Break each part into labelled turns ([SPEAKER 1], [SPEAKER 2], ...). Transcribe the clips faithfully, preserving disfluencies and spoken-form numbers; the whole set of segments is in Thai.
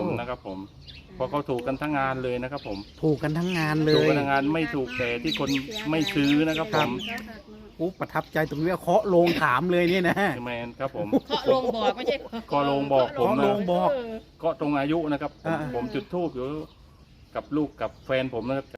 [SPEAKER 1] นะครับผมเพราะเขาถูกกันทั้งงานเลยนะครับผม
[SPEAKER 2] ถูกกันทั้งงานเล
[SPEAKER 1] ถูก
[SPEAKER 2] ย
[SPEAKER 1] กันทั้งงานไม่ถูกแต่ที่คนไม่ซื้อนะครับผม
[SPEAKER 2] อุ๊ประทับใจตรงนี้เคาะโลงถามเลยเนี่ยนะ
[SPEAKER 1] คือแมนครับผม
[SPEAKER 3] เคาะลงบอกไม่ใช่
[SPEAKER 1] ก็ลงบอกผม
[SPEAKER 2] เคาะ
[SPEAKER 1] นะ
[SPEAKER 2] โลงบอก
[SPEAKER 1] ก็ตรงอายุนะครับผม
[SPEAKER 2] อ่า
[SPEAKER 1] ผมจุดธูปอยู่กับลูกกับแฟนผมนะครับ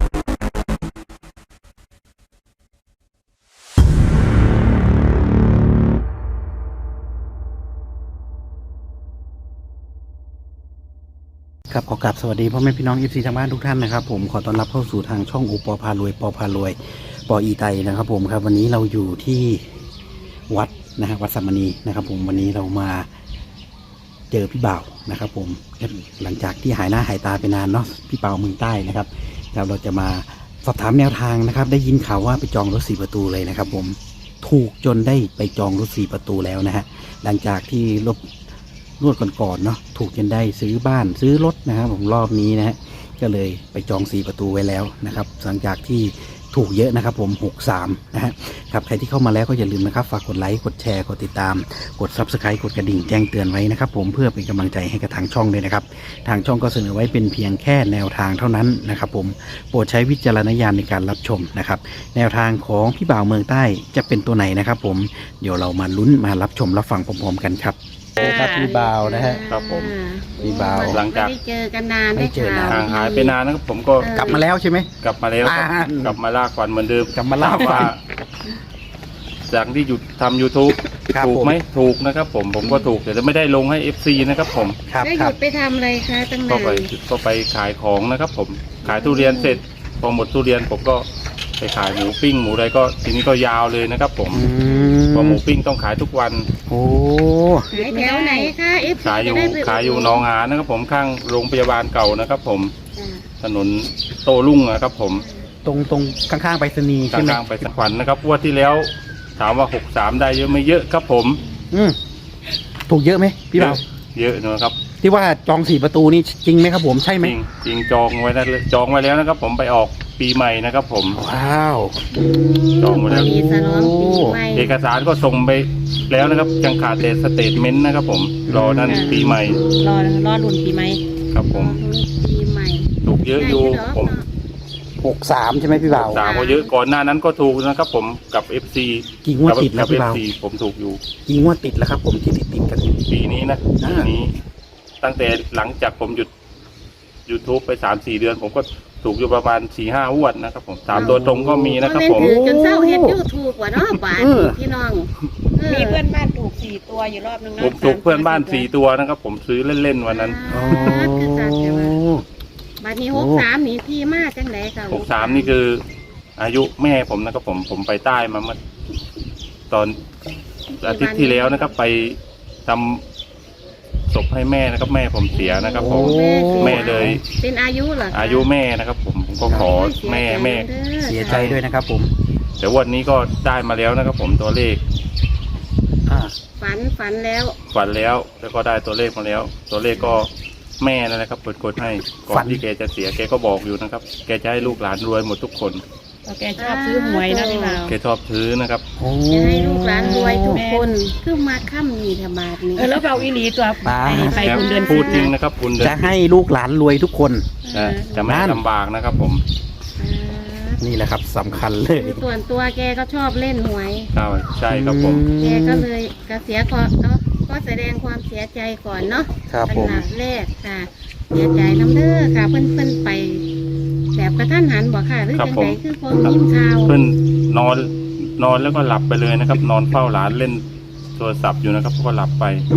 [SPEAKER 2] ครับขอกราบสวัสดีพ่อแม่พี่น้อง เอฟ ซี ทางบ้านทุกท่านนะครับผมขอต้อนรับเข้าสู่ทางช่องอุปพารวยปอพารวยปออีไตนะครับผมครับวันนี้เราอยู่ที่วัดนะฮะวัดสัมมณีนะครับผมวันนี้เรามาเจอพี่บ่าวนะครับผมหลังจากที่หายหน้าหายตาไปนานเนาะพี่เปาเมืองใต้นะครับเราเราจะมาสอบถามแนวทางนะครับได้ยินข่าวว่าไปจองรถสี่ประตูเลยนะครับผมถูกจนได้ไปจองรถสี่ประตูแล้วนะฮะหลังจากที่รถรวดก่อนๆเนาะถูกจนได้ซื้อบ้านซื้อรถนะครับผมรอบนี้นะฮะก็เลยไปจองสี่ประตูไว้แล้วนะครับหลังจากที่ถูกเยอะนะครับผมหกสามนะฮะครับใครที่เข้ามาแล้วก็อย่าลืมนะครับฝากกดไลค์กดแชร์กดติดตามกด ซับสไครบ์ กดกระดิ่งแจ้งเตือนไว้นะครับผมเพื่อเป็นกำลังใจให้กับทางช่องด้วยนะครับทางช่องก็เสนอไว้เป็นเพียงแค่แนวทางเท่านั้นนะครับผมโปรดใช้วิจารณญาณในการรับชมนะครับแนวทางของพี่บ่าวเมืองใต้จะเป็นตัวไหนนะครับผมเดี๋ยวเรามาลุ้นมารับชมรับฟังพร้อมๆกันครับครับพี่บ่าวนะฮะ
[SPEAKER 1] ครับผม
[SPEAKER 2] พี่บ่าว
[SPEAKER 1] หลังจาก
[SPEAKER 3] ไม่ได้เจอกันนาน
[SPEAKER 2] ไม่เจอนาน
[SPEAKER 1] ห่างหายไปนานนะครับผมก็
[SPEAKER 2] กลับมาแล้วใช่ไหม
[SPEAKER 1] กลับมาแล้ว
[SPEAKER 2] อ่า
[SPEAKER 1] กลับมาลากฟันเหมือนเดิม
[SPEAKER 2] กลับมาลากฟัน
[SPEAKER 1] จากที่หยุดทำ YouTube
[SPEAKER 2] ครับ
[SPEAKER 1] ถูก
[SPEAKER 2] ผม
[SPEAKER 1] ไหมถูกนะครับผมผมก็ถูกแต่ไม่ได้ลงให้ เอฟ ซี นะครับผม
[SPEAKER 2] ครับ
[SPEAKER 3] ได้ห
[SPEAKER 2] ครั
[SPEAKER 3] ยุ
[SPEAKER 2] บ
[SPEAKER 3] ดไปทำอะไรคะตั้ง
[SPEAKER 1] ก็
[SPEAKER 3] นาน
[SPEAKER 1] ไปก็ไปขายของนะครับผมขายทุเรียนเสร็จพอหมดทุเรียนผมก็ไปขายหมูปิ้งหมูอะไรก็ทีนี้ก็ยาวเลยนะครับผม
[SPEAKER 2] อื
[SPEAKER 1] เพอห
[SPEAKER 2] ม
[SPEAKER 1] มูปิ้งต้องขายทุกวัน
[SPEAKER 2] โอ้
[SPEAKER 3] ขายแถวไหนคะเอฟ
[SPEAKER 1] ขายอยู่ขายอยู่หนองหานนะครับผมข้างโรงพยาบาลเก่านะครับผมถนนโตรุ่งนะครับผม
[SPEAKER 2] ตรงตรงข้างๆไปรษณีย์
[SPEAKER 1] ก
[SPEAKER 2] ใช่ไหม
[SPEAKER 1] ลางๆไปสักวันนะครับงวันที่แล้วถามว่าหกสามได้เยอะไม่เยอะครับผม
[SPEAKER 2] อืมถูกเยอะไหมพี่บ่าว
[SPEAKER 1] เยอะนะครับ
[SPEAKER 2] ที่ว่าจองสี่ประตูนี่จริงไหมครับผมใช่ไห
[SPEAKER 1] จ
[SPEAKER 2] ม
[SPEAKER 1] ริงจริงจองไว้นะจองไว้แล้วนะครับผมไปออกปีใหม่นะครับผม
[SPEAKER 2] ว้าว
[SPEAKER 1] จองไว้แล้ว
[SPEAKER 3] มีสลองปีใหม่
[SPEAKER 1] เอกสารก็ส่งไปแล้วนะครับยังขาดแต่สเตทเมนต์นะครับผมรอนั่นปีใหม่
[SPEAKER 3] รอรอรุ่นปีใหม่
[SPEAKER 1] ครับผม
[SPEAKER 3] ปีใหม่
[SPEAKER 1] ถูกเยอะอยู่ผม
[SPEAKER 2] หกสามใช่ไหมพี่บ่าว
[SPEAKER 1] สามก็เยอะก่อนหน้านั้นก็ถูกนะครับผมกับ เอฟ ซี
[SPEAKER 2] กี่งวดติดแล้ว
[SPEAKER 1] กับ
[SPEAKER 2] พี่
[SPEAKER 1] เอฟ
[SPEAKER 2] บ่าว
[SPEAKER 1] ซีผมถูกอยู่
[SPEAKER 2] กี่งวดติดแล้วครับผมที่ติดติดกัน
[SPEAKER 1] ปีนี้นะ
[SPEAKER 2] อ่า
[SPEAKER 1] ปีนี้ ตั้งแต่หลังจากผมหยุด YouTube ไปสามสี่เดือน ผมก็ถูกอยู่ประมาณสี่ห้างวดนะครับผมสามตัวตรงก็มีนะครับผม
[SPEAKER 3] ถือจนเศร้าเฮ็ดยูทูบว่ะเนาะบาทพี่น้อง
[SPEAKER 4] มีเพื่อนบ้านถูกสี่ตัวอยู่รอบนึง
[SPEAKER 1] ผมถูกเพื่อนบ้านสี่ตัวนะครับผมซื้อเล่นๆวันนั้น
[SPEAKER 2] โอ้
[SPEAKER 3] คือสัตว์แต่ว่าบาทนี้หกสามนี่ที่มาจังไหนค่ะ
[SPEAKER 1] หกสามนี่คือ อายุแม่ผมนะครับผมผมไปใต้มาเมื่อตอนอาทิตย์ที่แล้วนะครับ ไปทำศพให้แม่นะครับ แม่ผมเสียนะครับผม แม่เลย
[SPEAKER 3] เป็นอายุเหรอ
[SPEAKER 1] อายุแม่นะครับ ผมผมก็ขอแม่แม่
[SPEAKER 2] เสียใจด้วยนะครับผม
[SPEAKER 1] แต่วันนี้ก็ได้มาแล้วนะครับ ผมตัวเลข
[SPEAKER 2] อ่า
[SPEAKER 3] ฝันฝันแล้ว
[SPEAKER 1] ฝันแล้วแล้วก็ได้ตัวเลขมาแล้ว ตัวเลขก็แม่นั่นแหละครับเปิดกดให้ก่อนที่แกจะเสียแกก็บอกอยู่นะครับ แกจะให้ลูกหลานรวยหมดทุกคน
[SPEAKER 4] แกชอบซื้อหวยนะพี่บ่าว
[SPEAKER 1] แกชอบซื้อนะครับ
[SPEAKER 2] โอ้
[SPEAKER 3] จะให้ลูกหลานรวยทุกคนคือมาค่ำนี่ธบาทนี้
[SPEAKER 4] เออแล้วเบาอีหลีตัวไปไป
[SPEAKER 1] แล้ว
[SPEAKER 4] คุณเดือน
[SPEAKER 1] พูด
[SPEAKER 4] สิบ
[SPEAKER 1] จริง
[SPEAKER 4] นะ
[SPEAKER 1] นะครับคุณเดิน
[SPEAKER 2] จะให้ลูกหลานรวยทุกคน
[SPEAKER 1] นะจะไม่ให้ลำบากนะครับ ผม
[SPEAKER 2] นี่แหละครับสำคัญเลย
[SPEAKER 3] คือส่วนตัวแกก็ชอบเล่นหวย
[SPEAKER 1] ครับใช่ครับผม
[SPEAKER 3] แกก็เลยกเสียก่อนเนาะก็แสดงความเสียใจก่อนเนาะ
[SPEAKER 2] ครับ
[SPEAKER 3] เป็น
[SPEAKER 2] ผม
[SPEAKER 3] หลักแรกค่ะ เสียใจน้ำเด้อค่ะ เพิ่นเพิ่นไป แบบกระทันหันบอกค่ะหรือ
[SPEAKER 1] ครับ
[SPEAKER 3] จัง
[SPEAKER 1] ผม
[SPEAKER 3] ไดคือพอยิ้มข่าว
[SPEAKER 1] เพื่อนนอนนอนแล้วก็หลับไปเลยนะครับ นอนเฝ้าหลานเล่นโทรศัพท์อยู่นะครับก็หลับไป
[SPEAKER 2] โอ้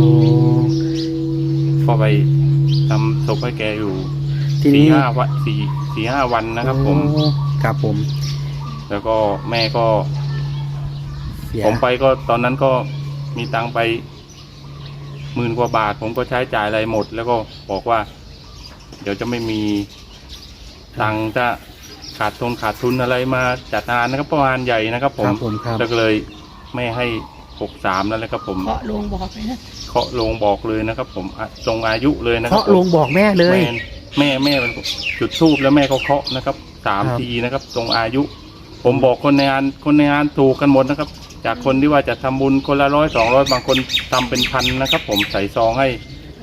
[SPEAKER 1] ก็ไปทำศพให้แกอยู่
[SPEAKER 2] ที
[SPEAKER 1] สี่
[SPEAKER 2] นี้
[SPEAKER 1] ห้าวันสี่สี่ห้าวันนะครับ ผม
[SPEAKER 2] โอ้ครับผม
[SPEAKER 1] แล้วก็แม่ก็
[SPEAKER 2] เสีย
[SPEAKER 1] ผมไปก็ตอนนั้นก็มีตังค์ไปหมื่นกว่าบาท ผมก็ใช้จ่ายอะไรหมด แล้วก็บอกว่า เดี๋ยวจะไม่มีตังค์จะขาดทุนขาดทุนอะไรมาจัดงานนะครับประมาณใหญ่นะครับ ผ
[SPEAKER 2] ค
[SPEAKER 1] ม
[SPEAKER 2] รับผมครับ
[SPEAKER 1] แล้วก็เลยไม่ให้หกสามนั่นแหละครับ ผม
[SPEAKER 4] เคาะลงบอกเลยนะ
[SPEAKER 1] เคาะลงบอกเลยนะครับ ผมอ่ะตรงอายุเลยนะครั
[SPEAKER 2] เคาะ
[SPEAKER 1] ผม
[SPEAKER 2] ลงบอกแม่เลย
[SPEAKER 1] แม่แม่แม่เป็นจุดทูบแล้วแม่ก็เคาะนะครับสาม
[SPEAKER 2] ครับ
[SPEAKER 1] ทีนะครับ ตรงอายุ ผมบอกคนในงานคนในงานถูกกันหมดนะครับ จากคนที่ว่าจะทำบุญคนละร้อยสองร้อยบางคนทำเป็นพันนะครับ ผมใส่ซองให้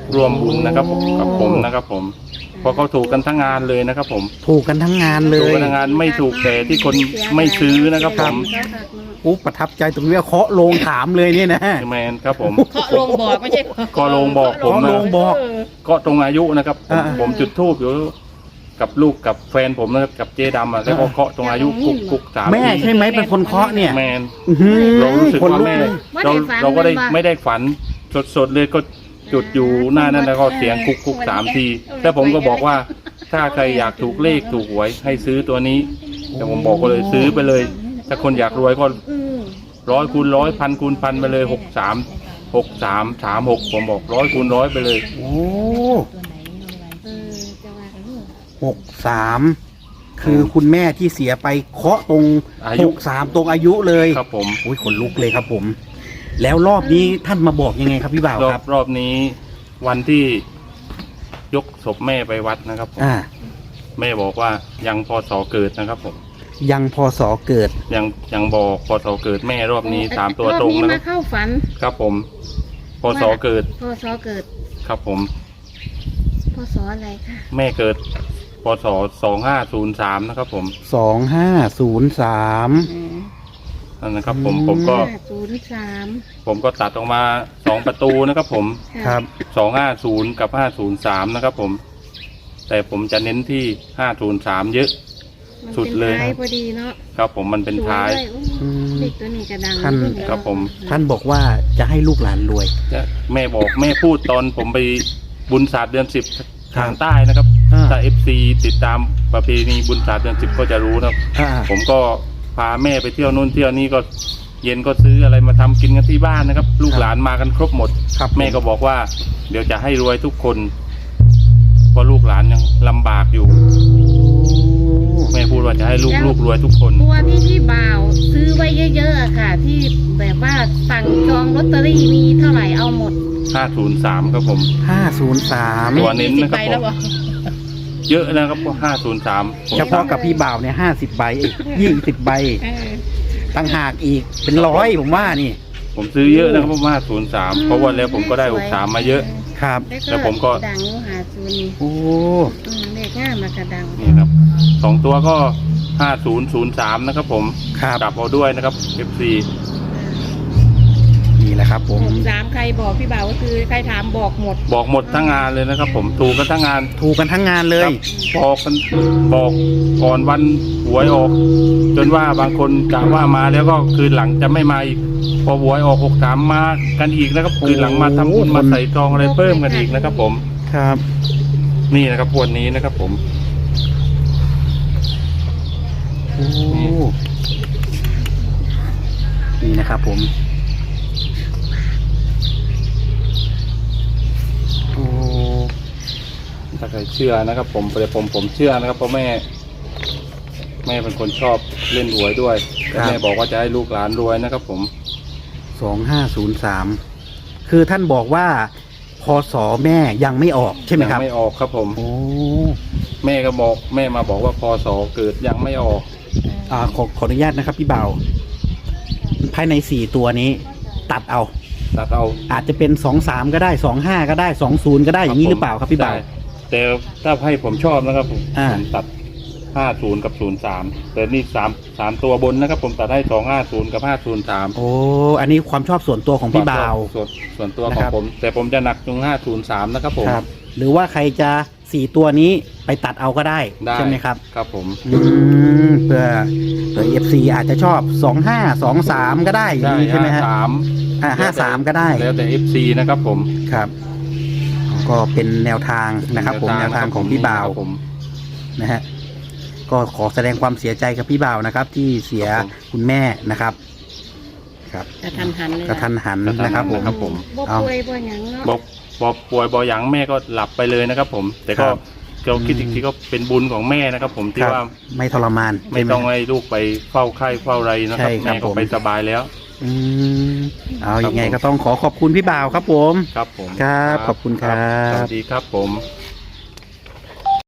[SPEAKER 1] ร่วมบุญนะครับผมกับผมนะครับผมเพราะเขาถูกกันทั้งงานเลยนะครับผม
[SPEAKER 2] ถูกกันทั้งงานเล
[SPEAKER 1] ถูก
[SPEAKER 2] ย
[SPEAKER 1] กันทั้งงานไม่ถูกแต่ที่คนไม่ซื้อนะครับผม
[SPEAKER 2] อุ๊บประทับใจตรงนี้ว่าเคาะโลงถามเลยเนี่ยนะ
[SPEAKER 1] แมนครับผม
[SPEAKER 4] เคาะลงบอกไม่ใช่
[SPEAKER 1] เคาะโลงบอกผม
[SPEAKER 2] เคาะโลงบอก
[SPEAKER 1] ก็ตรงอายุนะครับผม
[SPEAKER 2] อ่า
[SPEAKER 1] ผมจุดธูปอยู่กับลูกกับแฟนผมนะครับกับเจดำอ่ะแล้วก็เคาะตรงอายุกุกกุกสาม
[SPEAKER 2] แม่ใช่ไหมเป็นคนเคาะเนี่ย
[SPEAKER 1] แมน
[SPEAKER 2] อื้อหือ
[SPEAKER 1] เรารู้สึก
[SPEAKER 2] คน
[SPEAKER 1] ว่า
[SPEAKER 2] ลุก
[SPEAKER 1] แม่
[SPEAKER 2] เลย
[SPEAKER 1] เราเราก็ได้ไม่ได้ฝันสดๆเลยก็จุดอยู่หน้านั้นแล้วก็เสียงกุกกุกสามทีแล้วผมก็บอกว่าถ้าใครอยากถูกเลขถูกหวยให้ซื้อตัวนี้แต่ผมบอกก็เลยซื้อไปเลย ถ้าคนอยากรวยก็ร้อยคูณร้อยพันคูณพันไปเลยหกสามหกสามสามหกผมบอกร้อยคูณร้อยไปเลย
[SPEAKER 2] โอ้
[SPEAKER 3] เออจะว่าเออ
[SPEAKER 2] หกสามคือคุณแม่ที่เสียไปเคาะตรง
[SPEAKER 1] อา
[SPEAKER 2] ห
[SPEAKER 1] ยุ
[SPEAKER 2] กสามตรงอายุเลย
[SPEAKER 1] ครับผม
[SPEAKER 2] อุ้ยขนลุกเลยครับผม แล้วรอบนี้ท่านมาบอกยังไงครับพี่บ่าว
[SPEAKER 1] รอ
[SPEAKER 2] ครับ บ
[SPEAKER 1] รอบนี้วันที่ยกศพแม่ไปวัดนะครับผม
[SPEAKER 2] อ่า
[SPEAKER 1] แม่บอกว่ายังพศเกิดนะครับผม
[SPEAKER 2] ยังพศเกิด
[SPEAKER 1] ยังยังบอกพศเกิดแม่รอบนี้สามตัว
[SPEAKER 3] อบ
[SPEAKER 1] ตรง
[SPEAKER 3] นี้
[SPEAKER 1] นะค
[SPEAKER 3] มา
[SPEAKER 1] รับ
[SPEAKER 3] เข้าฝัน
[SPEAKER 1] ครับผมพศเกิด
[SPEAKER 3] พศเกิด
[SPEAKER 1] ครับผม
[SPEAKER 3] พศอะไรคะ
[SPEAKER 1] แม่เกิดพศสองห้าศูนย์สามนะครับผม
[SPEAKER 2] สองห้าศูนย์สาม
[SPEAKER 1] นั่นนะครับผม
[SPEAKER 2] อืม
[SPEAKER 1] ผมก็
[SPEAKER 3] ห้าศูนย์สาม
[SPEAKER 1] ผมก็ตัดออกมาสองประตูนะครับผม
[SPEAKER 2] ครับ
[SPEAKER 1] สองห้าศูนย์กับห้าศูนย์สามนะครับผม แต่ผมจะเน้นที่ห้าศูนย์สามเยอะ
[SPEAKER 3] มัน
[SPEAKER 1] สุดเลย
[SPEAKER 3] ป็นท้ายพอดีเนาะ
[SPEAKER 1] ครับผมมันเป็นท้าย
[SPEAKER 3] สวด้ว
[SPEAKER 2] อืม
[SPEAKER 3] เด็กตัวนี้กระดัง
[SPEAKER 2] ท่าน
[SPEAKER 1] ครับผม
[SPEAKER 2] ท่านบอกว่าจะให้ลูกหลานรวย
[SPEAKER 1] จะแม่บอกแม่พูดตอนผมไปบุญศาสตร์เดือนสิบ
[SPEAKER 2] ครับ
[SPEAKER 1] ทางใต้นะครับ
[SPEAKER 2] อ่า
[SPEAKER 1] ถ้าเอฟซีติดตามประเพณีบุญศาสตร์เดือนสิบก็จะรู้นะครับ
[SPEAKER 2] อ่า
[SPEAKER 1] ผมก็พาแม่ไปเที่ยวนู่นเที่ยวนี่ก็เย็นก็ซื้ออะไรมาทำกินกันที่บ้านนะครับ ลูกหลานมากันครบหมด
[SPEAKER 2] ครับ
[SPEAKER 1] แม่ก็บอกว่า เดี๋ยวจะให้รวยทุกคนเพราะลูกหลานยังลำบากอยู่ แม่พูดว่าจะให้ลูกลูกรวยทุกคน
[SPEAKER 3] ตัวที่พี่บ่าวซื้อไว้เยอะๆอะค่ะ ที่แบบว่าสั่งจองลอตเตอรี่มีเท่าไหร่เอาหมด
[SPEAKER 1] ห้าศูนย์สามครับผม
[SPEAKER 2] ห้าศูนย์สาม
[SPEAKER 1] ตัวเน้นนะครับ
[SPEAKER 4] ยี่สิใแล้วเหอ
[SPEAKER 1] เยอะนะครับก็ห้าศูนย์สาม
[SPEAKER 2] เฉพาะกับพี่บ่าวเนี่ยห้าสิบใบยี่สิบใบ
[SPEAKER 3] เออ
[SPEAKER 2] ตั้งหากอีกเป็นร้อยผมว่านี่
[SPEAKER 1] ผมซื้อเยอะนะครับเพราะว่าศูนย์สามเพราะว่าแล้วผมก็ได้หกสามมาเยอะ
[SPEAKER 2] ครับ
[SPEAKER 1] แล้วผมก็
[SPEAKER 3] ดังอยู่หาศูนย์นี่
[SPEAKER 2] โอ้
[SPEAKER 3] อืมเลขง่ายมากระดัง
[SPEAKER 1] นี่ครับสองตัวก็ห้าศูนย์ศูนย์สามนะครับผม
[SPEAKER 2] ครับ
[SPEAKER 1] กลับเอาด้วยนะครับ เอฟ ซี
[SPEAKER 2] นี่แหละครับผม
[SPEAKER 4] หกสามใครบอกพี่บ่าวก็คือใครถามบอกหมด
[SPEAKER 1] บอกหมดทั้งงานเลยนะครับ ผมถูกกันทั้งงาน
[SPEAKER 2] ถูกกันทั้งงานเลย
[SPEAKER 1] ครับบอกกันบอกก่อนวันหวยออก จนว่าบางคนกะว่ามาแล้วก็คืนหลังจะไม่มาอีก พอหวยออกหกสามมากันอีกนะครับ คืนหลังมาทำบุญมาใส่ทองอะไรเพิ่มกันอีกนะครับ ผม
[SPEAKER 2] ครับ
[SPEAKER 1] นี่นะครับวันนี้นะครับ ผม
[SPEAKER 2] โอ้นี่นะครับผมโอ้
[SPEAKER 1] ถ้าใครเชื่อนะครับ ผมแต่ผมผมเชื่อนะครับเพราะแม่ แม่เป็นคนชอบเล่นหวยด้วยแต่แม่บอกว่าจะให้ลูกหลานรวยนะครับ ผม
[SPEAKER 2] สองห้าศูนย์สามคือท่านบอกว่าพศแม่ยังไม่ออกใช่ไหมครับ
[SPEAKER 1] ยังไม่ออกครับ ผม
[SPEAKER 2] โอ้
[SPEAKER 1] แม่ก็บอกแม่มาบอกว่าพศเกิดยังไม่ออก
[SPEAKER 2] อ่าขอขออนุญาตนะครับพี่เบาภายในสี่ตัวนี้ ตัดเอา
[SPEAKER 1] ตัดเอา
[SPEAKER 2] อาจจะเป็นสองสามก็ได้สองห้าก็ได้สองศูนย์ก็ได้อย่างนี้หรือเปล่าครับพี่เบา
[SPEAKER 1] ได้แต่ถ้าให้ผมชอบนะครับผม
[SPEAKER 2] อ่า
[SPEAKER 1] ผมตัดห้าศูนย์กับศูนย์สามแต่นี่สามสามตัวบนนะครับ ผมตัดให้สองห้าศูนย์กับห้าศูนย์สาม
[SPEAKER 2] โอ้อันนี้ความชอบส่วนตัวของพี่เบา
[SPEAKER 1] ส่วนส่วนตัวข
[SPEAKER 2] นะ
[SPEAKER 1] อ
[SPEAKER 2] ค
[SPEAKER 1] ง
[SPEAKER 2] รับ
[SPEAKER 1] ผม แต่ผมจะหนักตรงห้าศูนย์สามนะครับ ผม
[SPEAKER 2] ครับ หรือว่าใครจะสี่ตัวนี้ไปตัดเอาก็ได้
[SPEAKER 1] ได้
[SPEAKER 2] ใช่ไหมครับ
[SPEAKER 1] ครับผม
[SPEAKER 2] อืมเพื่อเผื่อเอฟซีอาจจะชอบสองห้าสองสามก็ได้อย่าง
[SPEAKER 1] ได้
[SPEAKER 2] นี้ใช่ไหมฮะ
[SPEAKER 1] สาม
[SPEAKER 2] อ่าห้าสามก็ได้
[SPEAKER 1] แล้วแต่เอฟซีนะครับ ผม
[SPEAKER 2] ครับ ก็เป็นแนวทางนะครับ ผมแนวทางของพี่บ่าว
[SPEAKER 1] ครับผม
[SPEAKER 2] นะฮะก็ขอแสดงความเสียใจกับพี่บ่าวนะครับ ที่เสีย
[SPEAKER 1] ครับผม
[SPEAKER 2] คุณแม่นะครับ ครับ
[SPEAKER 4] กระทันหันเลย
[SPEAKER 2] กระทันหันนะครับผม
[SPEAKER 1] ครับผม
[SPEAKER 3] บ่
[SPEAKER 2] เอา
[SPEAKER 3] ป่วยบ่หยังเนาะ
[SPEAKER 1] บอกบอกป่วยบอหยังแม่ก็หลับไปเลยนะครับ ผม แต่ก็
[SPEAKER 2] ครับ
[SPEAKER 1] เราคิดอีกทีก็เป็นบุญของแม่นะครับ ผมที่
[SPEAKER 2] ครับ
[SPEAKER 1] ว่า
[SPEAKER 2] ไม่ทรมาน
[SPEAKER 1] ไม่
[SPEAKER 2] ใช่ห
[SPEAKER 1] ต้องให้ลูกไปเฝ้าไข้เฝ้าอะไรนะครับ
[SPEAKER 2] ใช่ครับ
[SPEAKER 1] แม่ก็
[SPEAKER 2] ผม
[SPEAKER 1] ไปสบายแล้ว
[SPEAKER 2] อืมเอาอย่างไง
[SPEAKER 1] ครับผม
[SPEAKER 2] ก็ต้องขอขอบคุณพี่บ่าวครับผม
[SPEAKER 1] ครับผม
[SPEAKER 2] ครับขอบคุณครับ
[SPEAKER 1] สวัสดีครับผม
[SPEAKER 3] ค